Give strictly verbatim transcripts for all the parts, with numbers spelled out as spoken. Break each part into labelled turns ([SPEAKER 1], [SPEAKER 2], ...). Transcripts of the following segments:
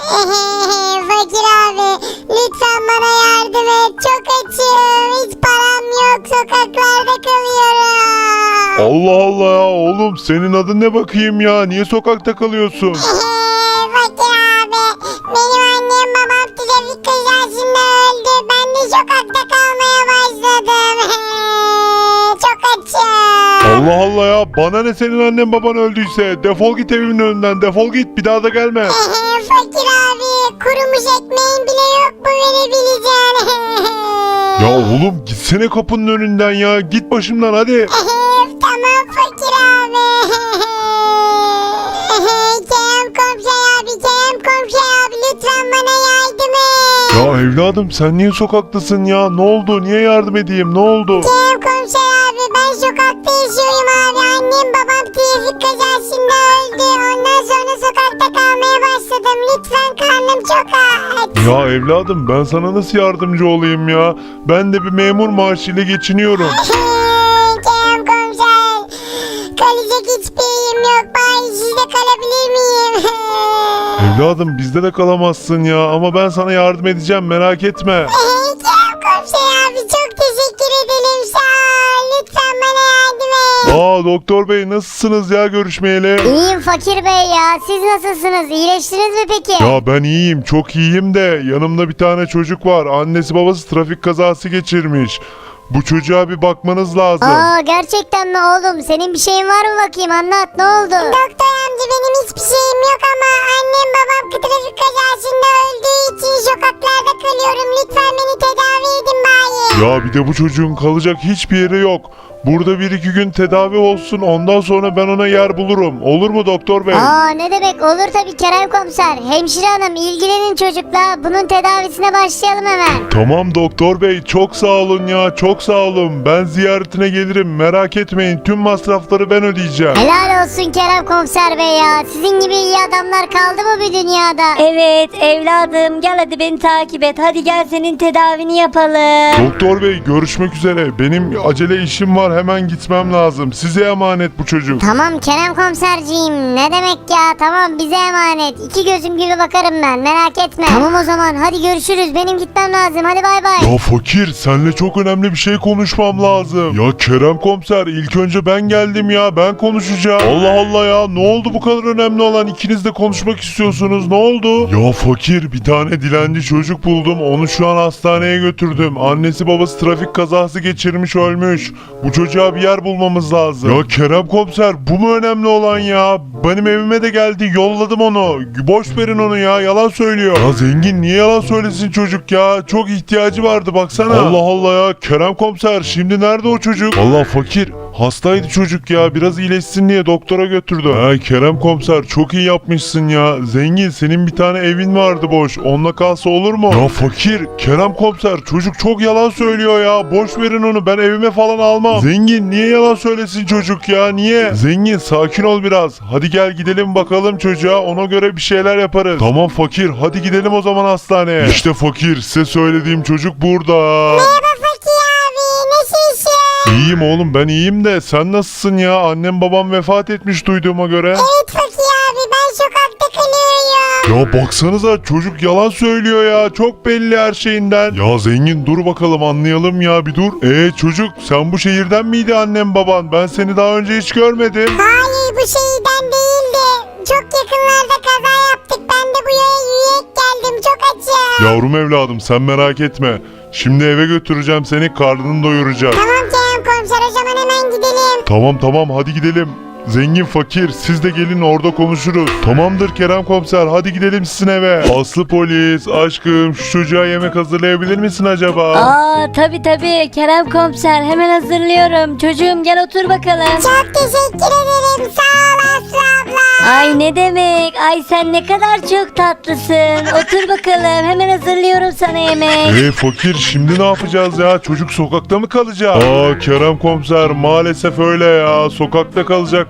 [SPEAKER 1] Fakir abi lütfen bana yardım et. Çok açım. Hiç param yok. Sokaklarda kalıyorum.
[SPEAKER 2] Allah Allah ya oğlum, senin adın ne bakayım ya? Niye sokakta kalıyorsun?
[SPEAKER 1] Fakir abi benim annem babam trafik kazasında öldü. Ben de sokakta kalmaya başladım. Çok açım.
[SPEAKER 2] Allah Allah ya, bana ne senin annen baban öldüyse? Defol git evimin önünden, defol git, bir daha da gelme.
[SPEAKER 1] Fakir abi kurumuş ekmeğin bile yok mu verebileceğin?
[SPEAKER 2] Ya oğlum gitsene kapının önünden ya, git başımdan hadi.
[SPEAKER 1] Tamam fakir abi. Kerem komşu abi, Kerem komşu abi lütfen bana yardım et.
[SPEAKER 2] Ya evladım sen niye sokaktasın ya? Ne oldu? Niye yardım edeyim? Ne oldu?
[SPEAKER 1] Kerem komşu abi ben sokakta yaşıyorum abi. Annem babam trafik kazasında öldü. Ondan sonra sokakta kalmaya başladım. Lütfen karnım çok aç.
[SPEAKER 2] Ya evladım ben sana nasıl yardımcı olayım ya? Ben de bir memur maaşıyla geçiniyorum.
[SPEAKER 1] Kerem komiser kalacak hiçbir yerim yok. Bari sizde kalabilir miyim?
[SPEAKER 2] Evladım bizde de kalamazsın ya, ama ben sana yardım edeceğim, merak etme.
[SPEAKER 1] Kerem komiser abi çok teşekkür ederim. Sağ ol. Lütfen bana yardım et.
[SPEAKER 2] Aa doktor bey, nasılsınız ya görüşmeyeli?
[SPEAKER 1] İyiyim fakir bey ya. Siz nasılsınız? İyileştiniz mi peki?
[SPEAKER 2] Ya ben iyiyim, çok iyiyim de yanımda bir tane çocuk var. Annesi babası trafik kazası geçirmiş. Bu çocuğa bir bakmanız lazım.
[SPEAKER 1] Aa gerçekten mi oğlum? Senin bir şeyin var mı bakayım? Anlat, ne oldu? Doktor amca benim hiçbir şeyim yok ama annem babam trafik kazasında öldüğü için sokaklarda kalıyorum. Lütfen beni tedavi edin bari.
[SPEAKER 2] Ya bir de bu çocuğun kalacak hiçbir yeri yok. Burada bir iki gün tedavi olsun, ondan sonra ben ona yer bulurum. Olur mu doktor bey?
[SPEAKER 1] Aa ne demek, olur tabii Kerem komiser. Hemşire hanım ilgilenin çocukla. Bunun tedavisine başlayalım hemen.
[SPEAKER 2] Tamam doktor bey, çok sağ olun ya, çok sağ olun. Ben ziyaretine gelirim, merak etmeyin, tüm masrafları ben ödeyeceğim.
[SPEAKER 1] Helal olsun Kerem komiser bey ya. Sizin gibi iyi adamlar kaldı mı bu dünyada?
[SPEAKER 3] Evet evladım, gel hadi beni takip et. Hadi gel senin tedavini yapalım.
[SPEAKER 2] Doktor bey görüşmek üzere, benim acele işim var, hemen gitmem lazım. Size emanet bu çocuk.
[SPEAKER 1] Tamam Kerem komiserciğim, ne demek ya, tamam bize emanet. İki gözüm gibi bakarım ben, merak etme. Tamam o zaman hadi görüşürüz, benim gitmem lazım, hadi bay bay.
[SPEAKER 2] Ya fakir, seninle çok önemli bir şey konuşmam lazım. Ya Kerem komiser, ilk önce ben geldim ya, ben konuşacağım. Allah Allah ya, ne oldu bu kadar önemli olan? İkiniz de konuşmak istiyorsunuz, ne oldu? Ya fakir, bir tane dilenci çocuk buldum, onu şu an hastaneye götürdüm. Annesi babası trafik kazası geçirmiş, ölmüş. Bu çocuğa bir yer bulmamız lazım. Ya Kerem komiser, bu mu önemli olan ya? Benim evime de geldi, yolladım onu. Boş verin onu ya, yalan söylüyor. Ya zengin niye yalan söylesin çocuk ya? Çok ihtiyacı vardı baksana. Allah Allah ya, Kerem komiser şimdi nerede o çocuk? Vallahi fakir, hastaydı çocuk ya, biraz iyileşsin diye doktora götürdü. Ha Kerem komiser, çok iyi yapmışsın ya. Zengin, senin bir tane evin vardı boş, onunla kalsa olur mu? Ya fakir, Kerem komiser çocuk çok yalan söylüyor ya. Boş verin onu, ben evime falan almam. Zengin niye yalan söylesin çocuk ya, niye? Zengin sakin ol biraz. Hadi gel gidelim bakalım çocuğa, ona göre bir şeyler yaparız. Tamam fakir, hadi gidelim o zaman hastaneye. İşte fakir, size söylediğim çocuk burada.
[SPEAKER 1] Merhaba fakir abi, nasılsın?
[SPEAKER 2] İyiyim oğlum, ben iyiyim de sen nasılsın ya? Annem babam vefat etmiş duyduğuma göre.
[SPEAKER 1] Evet fakir abi, ben sokakta kalıyorum.
[SPEAKER 2] Ya baksanıza, çocuk yalan söylüyor ya, çok belli her şeyinden. Ya zengin dur bakalım, anlayalım ya, bir dur. Eee çocuk, sen bu şehirden miydi annem baban? Ben seni daha önce hiç görmedim.
[SPEAKER 1] Hayır bu şeyden değildi. Çok yakınlarda kaza yaptık. Ben de bu yaya yürüyerek geldim. Çok açım.
[SPEAKER 2] Yavrum evladım, sen merak etme. Şimdi eve götüreceğim seni, karnını doyuracağım.
[SPEAKER 1] Tamam Kerem komiser, o zaman hemen gidelim.
[SPEAKER 2] Tamam tamam, hadi gidelim. Zengin fakir, siz de gelin, orada konuşuruz. Tamamdır Kerem komiser, hadi gidelim sizin eve. Aslı polis, aşkım şu çocuğa yemek hazırlayabilir misin acaba?
[SPEAKER 3] Aa tabi tabi Kerem komiser, hemen hazırlıyorum. Çocuğum gel otur bakalım.
[SPEAKER 1] Çok teşekkür ederim. Sağ ol Aslı abla.
[SPEAKER 3] Ay ne demek, ay sen ne kadar çok tatlısın. Otur bakalım, hemen hazırlıyorum sana yemek.
[SPEAKER 2] Eee fakir, şimdi ne yapacağız ya? Çocuk sokakta mı kalacak? Aa Kerem komiser, maalesef öyle ya. Sokakta kalacak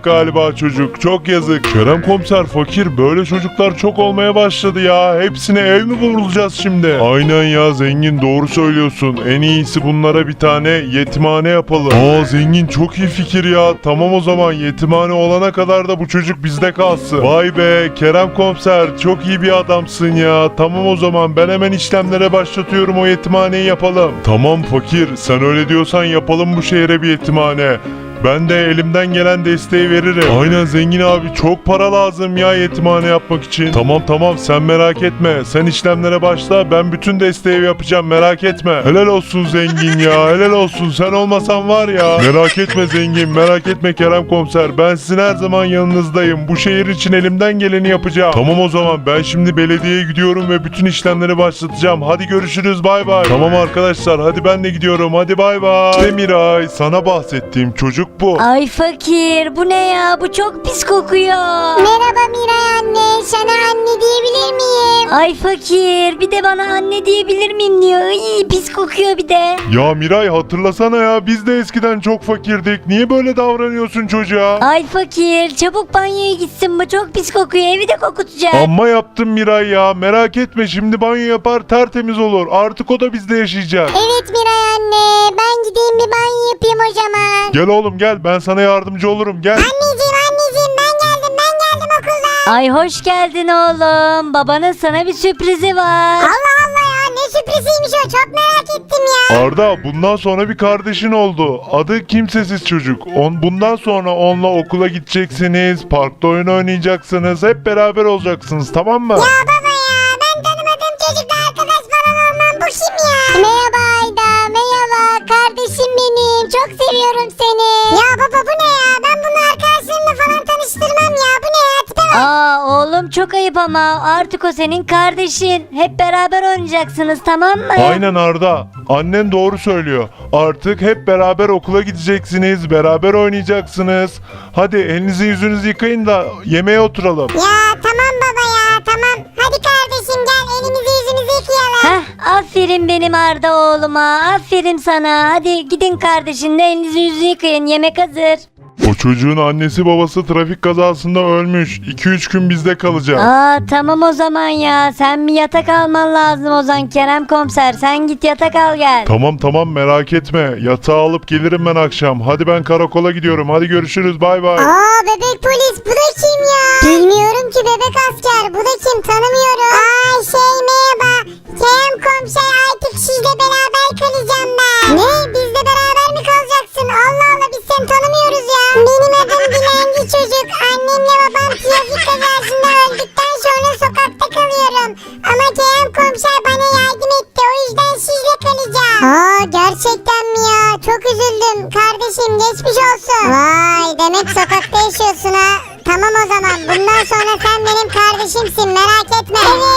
[SPEAKER 2] galiba çocuk. Çok yazık. Kerem komiser, fakir, böyle çocuklar çok olmaya başladı ya. Hepsine ev mi bulacağız şimdi? Aynen ya zengin, doğru söylüyorsun. En iyisi bunlara bir tane yetimhane yapalım. Aa zengin, çok iyi fikir ya. Tamam o zaman, yetimhane olana kadar da bu çocuk bizde kalsın. Vay be Kerem komiser, çok iyi bir adamsın ya. Tamam o zaman, ben hemen işlemlere başlatıyorum, o yetimhaneyi yapalım. Tamam fakir, sen öyle diyorsan yapalım bu şehre bir yetimhane. Ben de elimden gelen desteği veririm. Aynen zengin abi, çok para lazım ya yetimhane yapmak için. Tamam tamam, sen merak etme. Sen işlemlere başla, ben bütün desteği yapacağım, merak etme. Helal olsun zengin ya, helal olsun. Sen olmasan var ya. Merak etme zengin, merak etme Kerem komiser. Ben sizin her zaman yanınızdayım. Bu şehir için elimden geleni yapacağım. Tamam o zaman, ben şimdi belediyeye gidiyorum ve bütün işlemleri başlatacağım. Hadi görüşürüz, bay bay. Tamam arkadaşlar, hadi ben de gidiyorum. Hadi bay bay. İşte Miray, sana bahsettiğim çocuk bu.
[SPEAKER 3] Ay fakir, bu ne ya? Bu çok pis kokuyor.
[SPEAKER 1] Merhaba Miray anne. Sana anne diyebilir miyim?
[SPEAKER 3] Ay fakir, bir de bana anne diyebilir miyim diyor. İyi pis kokuyor bir de.
[SPEAKER 2] Ya Miray, hatırlasana ya, biz de eskiden çok fakirdik. Niye böyle davranıyorsun çocuğa?
[SPEAKER 3] Ay fakir, çabuk banyoya gitsin, bu çok pis kokuyor, evi de kokutacak.
[SPEAKER 2] Amma yaptım Miray ya, merak etme, şimdi banyo yapar tertemiz olur. Artık o da bizde yaşayacak.
[SPEAKER 1] Evet Miray anne. Ben gideyim bir banyo yapayım o zaman.
[SPEAKER 2] Gel oğlum gel, ben sana yardımcı olurum, gel.
[SPEAKER 1] Anneciğim anneciğim ben geldim ben geldim okuldan.
[SPEAKER 3] Ay hoş geldin oğlum, babanın sana bir sürprizi var.
[SPEAKER 1] Allah Allah ya, ne sürpriziymiş o, çok merak ettim ya.
[SPEAKER 2] Arda, bundan sonra bir kardeşin oldu. Adı Kimsesiz Çocuk. On, bundan sonra onunla okula gideceksiniz, parkta oyun oynayacaksınız, hep beraber olacaksınız, tamam mı?
[SPEAKER 1] Ya baba ya, ben tanımadığım çocukla arkadaş falan olmam, bu kim ya? Merhaba Ayda, merhaba kardeşim benim, çok seviyorum seni. Ya baba bu ne ya, ben bunu arkadaşlarımla falan tanıştırmam ya, bu ne ya, tipe bak.
[SPEAKER 3] Aa oğlum, çok ayıp ama artık o senin kardeşin. Hep beraber oynayacaksınız, tamam mı?
[SPEAKER 2] Aynen Arda, annen doğru söylüyor. Artık hep beraber okula gideceksiniz, beraber oynayacaksınız. Hadi elinizi yüzünüzü yıkayın da yemeğe oturalım.
[SPEAKER 1] Ya tamam baba ya, tamam. Hadi kardeşim gel, elimizi yüzümüzü yıkayalım.
[SPEAKER 3] Heh, aferin benim Arda oğluma, aferin sana. Hadi gidin kardeşinle elinizi yüzünüzü yıkayın, yemek hazır.
[SPEAKER 2] O çocuğun annesi babası trafik kazasında ölmüş. iki üç gün bizde kalacak.
[SPEAKER 3] Aa tamam o zaman ya, sen bir yatak alman lazım o zaman Kerem komiser, sen git yatak al gel.
[SPEAKER 2] Tamam tamam, merak etme. Yatağı alıp gelirim ben akşam. Hadi ben karakola gidiyorum. Hadi görüşürüz, bay bay.
[SPEAKER 1] Aa bebek polis, bu da kim ya? Bilmiyorum ki bebek asker, bu da kim, tanımıyorum. Aa şey merhaba. Kerem komiser, artık sizle beraber kalacağım ben. Ne? Bizle beraber mi kalacaksın? Allah Allah, biz seni tanımıyoruz ya. Benim adım Dilenci Çocuk. Annemle babam trafik kazasında öldükten sonra sokakta kalıyorum. Ama Kerem komiser bana yardım etti. O yüzden sizle kalacağım. Aa gerçekten mi ya? Çok üzüldüm. Kardeşim geçmiş olsun. Vay, demek sokakta yaşıyorsun ha. Tamam o zaman. Bundan sonra sen benim kardeşimsin. Merak etme. Evet.